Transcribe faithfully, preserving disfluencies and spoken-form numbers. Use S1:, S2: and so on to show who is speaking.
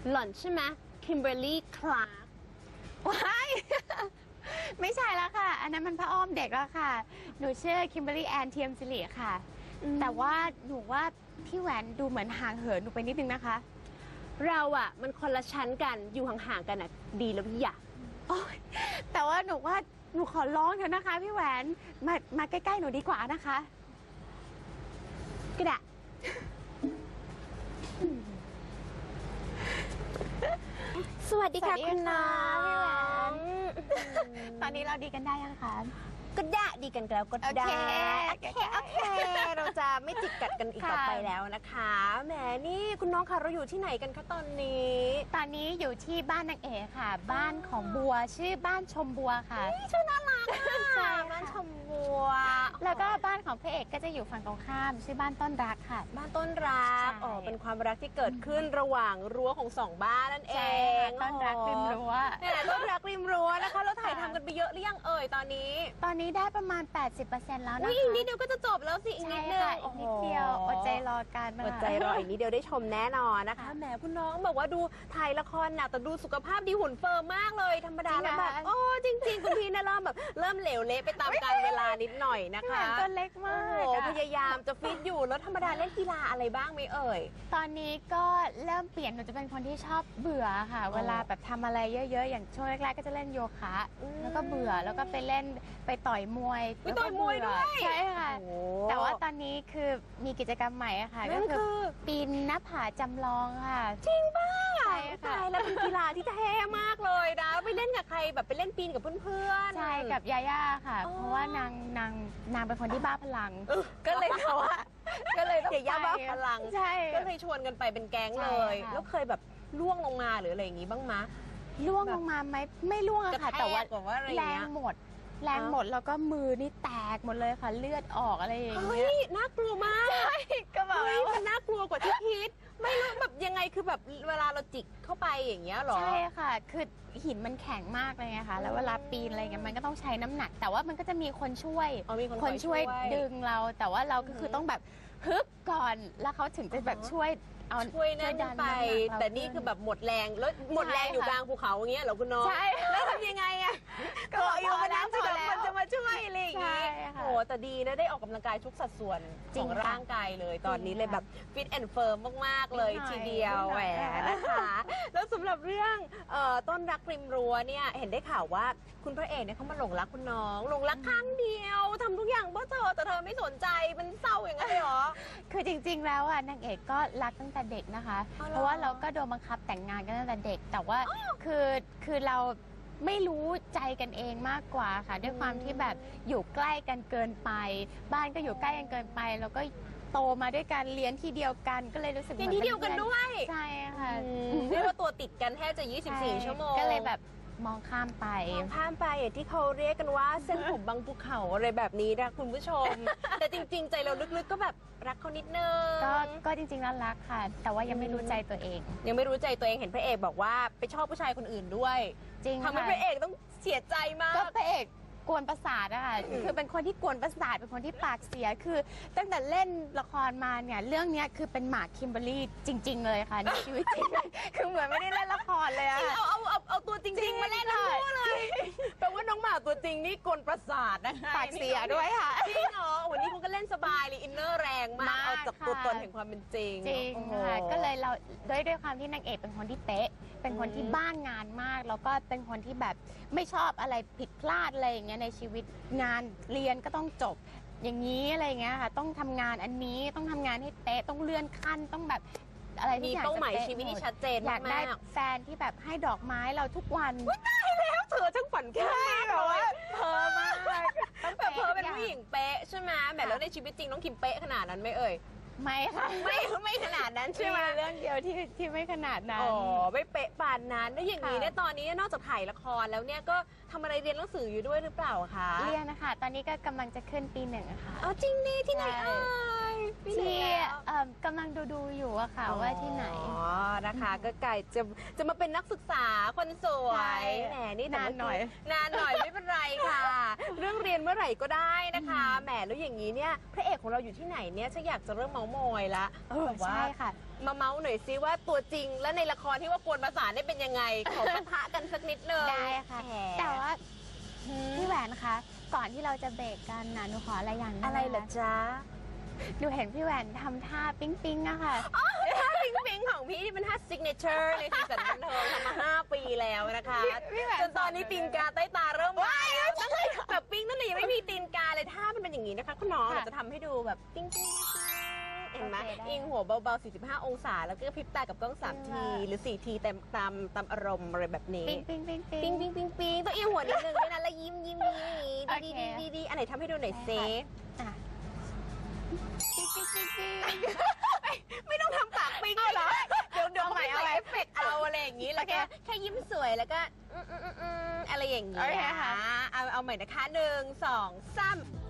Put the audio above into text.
S1: หล่อนใช่ไหมคิมเบอร์รี่คลาร์ก
S2: ว้ายไม่ใช่แล้วค่ะอันนั้นมันพระอ้อมเด็กแล้วค่ะหนูชื่อคิมเบอร์รี่แอนเทียมสิริค่ะแต่ว่าหนูว่าพี่แหวนดูเหมือนห่างเหินหนูไปนิดนึงนะคะ
S1: เราอะมันคนละชั้นกันอยู่ห่างๆกันอะดีแล้วพี่อยาก
S2: โอ๊ยแต่ว่าหนูว่าหนูขอร้องเถอะนะคะพี่แหวนมามาใกล้ๆหนูดีกว่านะคะ
S1: ก็ได้สวัสดีค่ะคุณน้อง
S2: ตอนนี้เราดีกันได้ยังคะ
S1: ก็ได้ดีกันแล้วก็ได้โอเคโอเคเราจะไม่จิกกัดกันอีกต่อไปแล้วนะคะแหมนี่คุณน้องคะเราอยู่ที่ไหนกันคะตอนนี้
S2: ตอนนี้อยู่ที่บ้านนางเอกค่ะบ้านของบัวชื่อบ้านชมบัวค่ะ
S1: ชื่อน่ารักค่ะบ้านชมบัว
S2: แล้วก็บ้านของพระเอกก็จะอยู่ฝั่งตรงข้ามชื่อบ้านต้นรักค่ะ
S1: บ้านต้นรักอ๋อเป็นความรักที่เกิดขึ้นระหว่างรั้วของสองบ้านนั่นเอง
S2: ต้นรักริมรั้ว
S1: เนี่ยต้นรักริมรั้วนะคะเราถ่ายทำกันไปเยอะหรือยังเอ่ยตอนนี้
S2: ตอนนี้ได้ประมาณ แปดสิบเปอร์เซ็นต์ แล้วนะคะ
S1: อีกนิดเดียวก็จะจบแล้วสิอีกนิดเดียว
S2: อีกนิดเดียวอดใจรอกัน
S1: อดใจรออีกนิดเดียวได้ชมแน่นอนนะคะแหมคุณน้องบอกว่าดูถ่ายละครหนักแต่ดูสุขภาพดีหุ่นเฟิร์มมากเลยธรรมดาแล้วแบบโอ้จริงๆคุณพี่นะเริ่มแบบเริ่มเหลวเละไปตามกาลเวลานิดหน่อยนะคะ
S2: ตัวเล็กมาก
S1: โอ้พยายามจะฟิตอยู่แล้วธรรมดาเล่นกีฬาอะไรบ้างไหมเอ่ย
S2: ตอนนี้ก็เริ่มเปลี่ยนหนูจะเป็นคนที่ชอบเบื่อค่ะเวลาแบบทำอะไรเยอะๆอย่างช่วงแรกๆก็จะเล่นโยคะแล้วก็เบื่อแล้วก็ไปเล่นไปต่อยมวย
S1: ไปต่อยมวยด้วย
S2: ใช่ค่ะแต่ว่าตอนนี้คือมีกิจกรรมใหม่ค่ะก็คือปีนหน้าผาจำลองค่ะ
S1: จริงป่ะใช่ค่ะแล้วเป็นกีฬาที่เท่มากเลยนะไปเล่นกับใครแบบไปเล่นปีนกับเพื่อน
S2: ๆใช่กับยาย่าค่ะเพราะว่านางนางนางเป็นคนที่บ้าพลังก็เลยเขาว่าก็เลยต้อง
S1: ยาย่าบ้าพลัง
S2: ใช่
S1: ก็เลยชวนกันไปเป็นแก๊งเลยแล้วเคยแบบล่วงลงมาหรืออะไรอย่างงี้บ้างมะ
S2: ล่วงลงมาไหมไม่ล่วงค่ะแต่ว่าแรงหมดแรงหมดแล้วก็มือนี่แตกหมดเลยค่ะเลือดออกอะไรอย่างเงี้ย
S1: เฮ้ยน่ากลัวมาก
S2: ใช่ก็แบบ
S1: มันน่ากลัวกว่าที่คิดไม่รู้แบบยังไงคือแบบเวลาเราจิกเข้าไปอย่างเงี้ยหรอ
S2: ใช่ค่ะคือหินมันแข็งมากเลยไงคะแล้วเวลาปีนอะไรเงี้ยมันก็ต้องใช้น้ำหนักแต่ว่ามันก็จะมีคนช่วย
S1: คน
S2: ช่วยดึงเราแต่ว่าเราก็คือต้องแบบฮึบก่อนแล้วเขาถึงจะแบบช่วยเอา
S1: ช่วยนั่นไปแต่นี่คือแบบหมดแรงแล้วหมดแรงอยู่กลางภูเขาอย่างเงี้ยเหรอคุณน้อง
S2: ใช่
S1: แล้วทำยังไงอะก็อยู่บนนั้นจะมันจะมาช่วยอะไรอย่างงี้โอ้แต่ดีนะได้ออกกำลังกายทุกสัดส่วนของร่างกายเลยตอนนี้เลยแบบฟิตแอนด์เฟิร์มมากๆเลยทีเดียวแหวนะคะแล้วสำหรับเรื่องต้นรักริมรั้วเนี่ยเห็นได้ข่าวว่าคุณพระเอกเนี่ยเขามาหลงรักคุณน้องหลงรักครั้งเดียวทำทุกอย่างเพื่อเธอแต่เธอไม่สนใจมันเศร้าอย่างนั้นเลยเหรอ
S2: คือจริงๆแล้วอ่ะนางเอกก็รักตั้งแต่เด็กนะคะเพราะว่าเราก็โดนบังคับแต่งงานกันตั้งแต่เด็กแต่ว่าคือคือเราไม่รู้ใจกันเองมากกว่าค่ะด้วยความที่แบบอยู่ใกล้กันเกินไปบ้านก็อยู่ใกล้กันเกินไปแล้วก็โตมาด้วยกันเรียนที่เดียวกันก็เลยรู้สึกเหมือน
S1: ที่เดียวกันด้วย
S2: ใช่ค่ะ
S1: เรียกว่าตัวติดกันแทบจะยี่สิบสี่ชั่วโมง
S2: ก็เลยแบบมองข้ามไป
S1: มองข้ามไปอย่างที่เขาเรียกกันว่าเส้นผมบางภูเขาอะไรแบบนี้นะคุณผู้ชมแต่จริงๆใจเราลึกๆก็แบบรักเขานิดนึง
S2: ก็ก็จริงๆแล้วรักค่ะแต่ว่ายังไม่รู้ใจตัวเอง
S1: ยังไม่รู้ใจตัวเองเห็นพระเอกบอกว่าไปชอบผู้ชายคนอื่นด้วย
S2: จริง
S1: ทำให้พระเอกต้องเสียใจมาก
S2: ก็พระเอกกวนประสาทอะค่ะคือเป็นคนที่กวนประสาทเป็นคนที่ปากเสียคือตั้งแต่เล่นละครมาเนี่ยเรื่องนี้คือเป็นหมากคิมเบอร์รี่จริงๆเลยค่ะในชีวิตจริงคือเหมือนไม่ได้เล่นละครเลยอะ
S1: เอาเอาเอาเอาตัวจริงๆมาเล่นทั้งคู่เลยแปลว่าน้องหมากตัวจริงนี่กวนประสาทนะคะ
S2: ปากเสียด้วยค่ะ
S1: จริงเหรอวันนี้คุณก็เล่นสบายเลยอินเนอร์แรงมากเอาจากตัวตนแห่งความเป็นจริง
S2: จริงค่ะก็เลยเราด้วยด้วยความที่นางเอกเป็นคนที่เป๊ะเป็นคนที่บ้านงานมากแล้วก็เป็นคนที่แบบไม่ชอบอะไรผิดพลาดอะไรอย่างเงี้ยในชีวิตงานเรียนก็ต้องจบอย่างนี้อะไรเงี้ยค่ะต้องทำงานอันนี้ต้องทำงานให้เป๊ะต้องเลื่อนขั้นต้องแบบอะไร
S1: มีเป้าหมายชีวิตที่ชัดเจน
S2: อยากได้แฟนที่แบบให้ดอกไม้เราทุกวัน
S1: ได้แล้วเธอทั้งฝันแค่แบบว่า
S2: เพ้อมาก
S1: ต้องแบบเพ้อเป็นผู้หญิงเป๊ะใช่ไหมแบบแล้วในชีวิตจริงน้องคิมเป๊ะขนาดนั้นไหมเอ่ย
S2: ไม่ค่ะ
S1: ไม่ไม่ขนาดนั้นใช่ไหม
S2: เรื่องเดียวที่ที่ไม่ขนาดนั้น
S1: อ๋อไม่เป๊ะปานนั้นแล้วอย่างนี้เนี่ยตอนนี้นอกจากถ่ายละครแล้วเนี่ยก็ทำอะไรเรียนหนังสืออยู่ด้วยหรือเปล่าคะ
S2: เรียนนะคะตอนนี้ก็กำลังจะขึ้นปีหนึ่งค่ะ
S1: อ๋อจริงดิที่ไหนเอ่ย
S2: ที่เอิ่มกำลังดูดูๆอยู่อะค่ะว่าที่ไหน
S1: อ๋อ นะคะ ก็ไก่จะจะมาเป็นนักศึกษาคนสว
S2: ใช่
S1: ย แหม นี่แต่
S2: นานหน่อย
S1: นานหน่อยไม่เป็นไรค่ะ เรื่องเรียนเมื่อไหร่ก็ได้นะคะ แหม แล้วอย่างนี้เนี่ย พระเอกของเราอยู่ที่ไหนเนี่ยฉันอยากจะเริ่มเมาส์มอยละ
S2: เออ
S1: แบบว่า
S2: ใช่ค่ะ
S1: มาเมาส์หน่อยซิว่าตัวจริงและในละครที่ว่ากวนประสานได้เป็นยังไง ขอปะทะกันสักนิดนึง
S2: ได้ค่ะ
S1: แหม
S2: แต่ว่า
S1: อืม
S2: พี่แหวนคะ ก่อนที่เราจะเบรกกันนะหนูขออะไรอย่างหนึง
S1: อะไรเหรอ
S2: นะคะ
S1: จ๊ะ
S2: หนูเห็นพี่แหวนทำท่าปิ๊งปิ๊งๆอะค่ะ
S1: ท่าปิงปิงของพี่ที่เป็นท่าซิกเนเจอร์ในสีสันบันเทิงทำมาห้าปีแล้วนะคะ
S2: พี่แหวน
S1: จนตอนนี้ตีนกาใต้ตาเริ่มมาแล้วตั้งแต่แบบปิ้งตั้งแต่ยังไม่มีตีนกาเลยท่ามันเป็นอย่างนี้นะคะคุณน้อง
S2: ค่ะ
S1: เราจะทำให้ดูแบบปิ้งปิ้งปิ้งเห็นไหม
S2: โอเคได้
S1: อิงหัวเบาๆ สี่สิบห้า องศา แล้วก็พริบตากับกล้องสาม
S2: จริง
S1: ที
S2: ว่ะ
S1: หรือสี่ทีแต่ตามตามอารมณ์อะไรแบบนี้
S2: ปิ๊งปิ๊งปิ๊งปิ๊
S1: ปิ้ง
S2: ง
S1: ปิ้งปิ้งปิ้งต้องเอียงหัวนิดนึงด้วยนะแล้วยิ้มยิ้มยิ้มอย่างนี้
S2: โอ
S1: ดี
S2: เค
S1: ดีดีดีอันไหนทำให้ดูหน่อยเซ
S2: อ่ะปิ๊งปิ๊งปิ๊งปิ๊ง
S1: ไม่ต้องทำปากปิ้งเลยเหรอ เดี๋ยวเดี๋ยว
S2: เอาใหม่
S1: เขาไป
S2: เอาใหม่
S1: เอฟเฟกต์เอาอะไรอย่างนี้ แล้วก็
S2: โอเค
S1: แค่ยิ้มสวยแล้วก็อืมอืมอืมอืมอะไรอย่างนี้
S2: โอเคค่ะ
S1: เอาเอาใหม่นะคะหนึ่งสองสาม